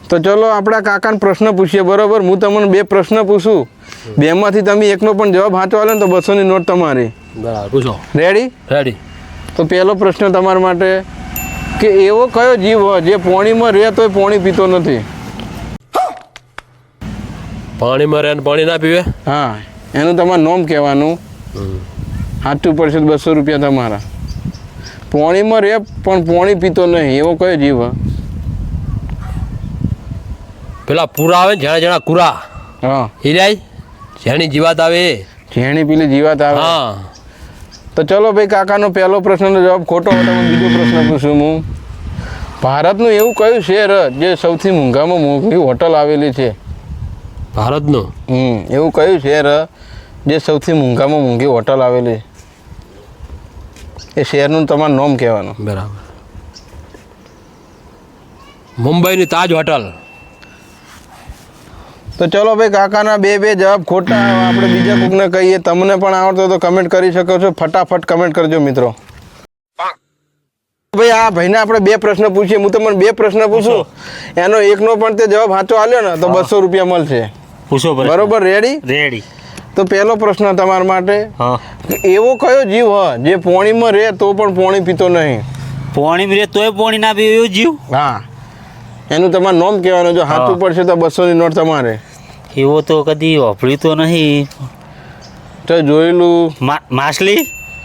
તો ચલો આપણા કાકાને પ્રશ્ન પૂછીએ બરોબર. હું તમને બે પ્રશ્ન પૂછું, બેમાંથી તમે એકનો પણ જવાબ સાચો આલે ને તો 200ની નોટ તમારી. બરાબર, પૂછો. રેડી? રેડી. તો પહેલો પ્રશ્ન તમારા માટે કે એવો કયો જીવ હોય જે પાણીમાં રહે તોય પાણી પીતો નથી? પાણીમાં રહે ને પાણી ના પીવે? હા, એનું તમારું નામ કહેવાનું. સાચું પડશે 200 રૂપિયા તમારા. પાણીમાં રહે પણ પાણી પીતો નહીં એવો કયો જીવ હોય? પેલા પૂરા આવે ને જણા જણા કુરા. હા, હિરાય જેની જીવાત આવે એ. જેણી પેલી જીવાત આવે. હા. તો ચલો ભાઈ, કાકાનો પહેલો પ્રશ્નનો જવાબ ખોટો હોય. તમે બીજો પ્રશ્ન પૂછું હું. ભારતનું એવું કયું શહેર જે સૌથી મોંઘામાં મોંઘી હોટલ આવેલી છે? ભારતનું? એવું કયું શહેર જે સૌથી મોંઘામાં મોંઘી હોટલ આવેલી? એ શહેરનું તમારું નામ કહેવાનું. બરાબર. મુંબઈની તાજ હોટલ. તો ચલો ભાઈ, કાકાના બે જવાબ ખોટા. આપણે બીજા કોકને કહીએ. તમને પણ આવડતો તો કમેન્ટ કરી શકો છો. ફટાફટ કમેન્ટ કરજો મિત્રો. ભાઈ આ ભાઈને આપણે બે પ્રશ્ન પૂછીએ. હું તમને બે પ્રશ્ન પૂછું, એનો એકનો પણ તે જવાબ સાચો આલ્યો ને તો 200 રૂપિયા મળશે. પૂછો. બરોબર? રેડી? રેડી. તો પહેલો પ્રશ્ન તમારા માટે, હા, એવો કયો જીવ હોય જે પાણીમાં રહે તો પણ પાણી પીતો નહીં? પાણી રહે તોય પાણી ના પીવે એવું જીવ? હા, એનું તમારું નામ કહેવાનું. જો સાચું પડશે તો 200ની નોટ તમારે. એવો તો કદી વાપર્યું તો નહીં. તો જોયેલું? માછલી.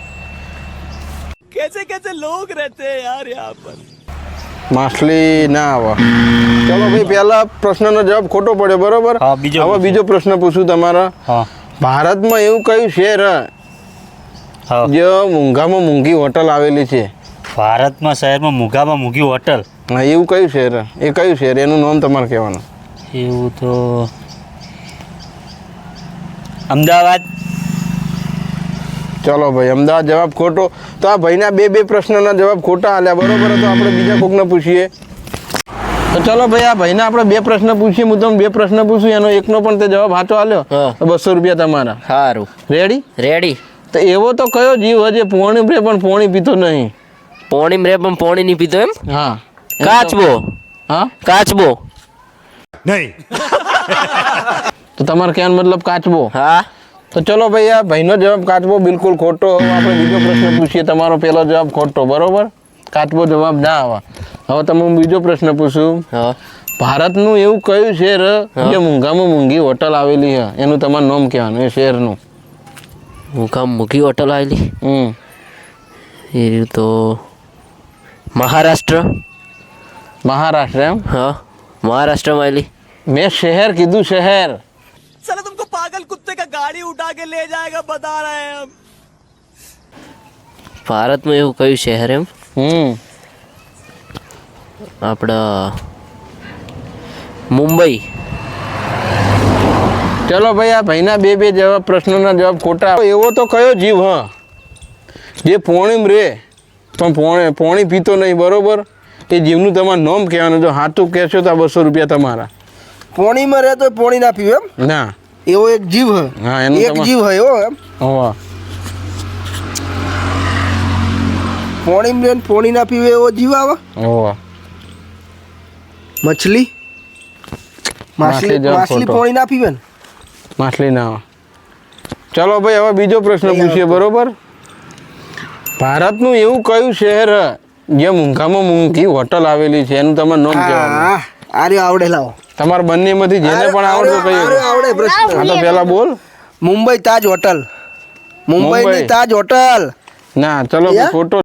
માછલી ના આવે. ચલો ભાઈ, પહેલા પ્રશ્નનો જવાબ ખોટો પડ્યો બરોબર. હા, હવે બીજો પ્રશ્ન પૂછું તમારા. હા. ભારતમાં એવું કયું શહેર હા. જે મોંઘામાં મોંઘી હોટલ આવેલી છે? ભારતમાં શહેરમાં મોંઘામાં મોંઘી હોટલ? હા, એવું કયું શહેર? એ કયું શહેર? એનું નામ તમારે કહેવાનું. એવું તો અમદાવાદ. ચલો ભાઈ, અમદાવાદ જવાબ ખોટો. તો આ ભાઈના બે પ્રશ્નના જવાબ ખોટા આલ્યા બરોબર. તો આપણે બીજા કોકને પૂછીએ. તો ચલો ભાઈ, આ ભાઈને આપણે બે પ્રશ્ન પૂછીએ. હું તમને બે પ્રશ્ન પૂછું, એનો એકનો પણ તે જવાબ સાચો આલ્યો તો 200 રૂપિયા તમારા. સારું. રેડી? રેડી. તો એવો તો કયો જીવ હોય જે પાણી રે પણ પાણી પીતો નહીં? પાણી રે પણ પાણી નહીં પીતો એમ? હા. કાચબો. હા, કાચબો. નહીં. તો તમારે કહેવાનો મતલબ કાચબો? હા. તો ચલો ભાઈ, આ ભાઈનો જવાબ કાચબો બિલકુલ ખોટો. હવે આપણે બીજો પ્રશ્ન પૂછીએ. તમારો પહેલો જવાબ ખોટો બરોબર. કાચબો જવાબ ના આવે. હવે તમે હું બીજો પ્રશ્ન પૂછું. હા. ભારતનું એવું કયું શહેર જે મોંઘામાં મોંઘી હોટલ આવેલી છે? એનું તમારું નામ કહેવાનું, એ શહેરનું. મોંઘી હોટલ આવેલી? એ તો મહારાષ્ટ્ર. મહારાષ્ટ્ર એમ? હા, મહારાષ્ટ્રમાં આવેલી. મેં શહેર કીધું, શહેર. साला तुमको पागल कुत्ते का गाड़ी उठा के ले जाएगा बता रहे हैं हम. ભારતમાં એવું કયું શહેર એમ? આપણા મુંબઈ. ચલો ભાઈ, આ ભાઈના બે જવાબ પ્રશ્નોના જવાબ ખોટા. એવો તો કયો જીવ હ જે પાણીમાં રહે પણ પાણી પીતો નહીં બરોબર? એ જીવનું તમારું નામ કહેવાનું. જો સાચું કહેશો તો 200 રૂપિયા તમારા. પાણીમાં રહે તો પાણી ના પીવે એમ? ના, એવો એક જીવ હે. હા, એનું એક જીવ હે એવો એમ? હોવા. પાણીમાં રહે ને પાણી ના પીવે એવો જીવ આવે? હોવા. મછલી. માછલી જવાબ માછલી ખોટો. પાણી ના પીવે ને? માછલી ના આવે. ચલો ભાઈ, હવે બીજો પ્રશ્ન પૂછીએ બરોબર. ભારતનું એવું કયું શહેર જે મોંઘામાં મોંઘી હોટલ આવેલી છે? એનું તમારું નામ કહેવાનું. હા, આર્યો આવડે. લાવો તમારા બંનેમાંથી જેને પણ આવડતો કહીએ. આવડે પ્રશ્ન. હા, તો પહેલા બોલ. મુંબઈ તાજ હોટલ. મુંબઈની મુંબઈ. તાજ હોટલ. ના, ચલો ભાઈ, ખોટો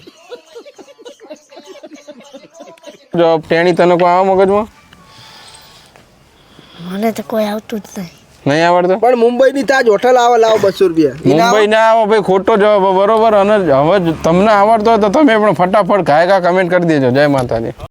જવાબ. ટેણી, તને કોઈ આવે મગજમાં? મને તો કોઈ આવતું જ નહીં આવડતો? પણ મુંબઈની તાજ હોટલ આવે. લાવો 200 રૂપિયા. મુંબઈ ના આવે ભાઈ, ખોટો જવાબ બરોબર. અને હવે તમને આવડતો હોય તો તમે પણ ફટાફટ ઘાયકા કમેન્ટ કરી દેજો. જય માતાજી.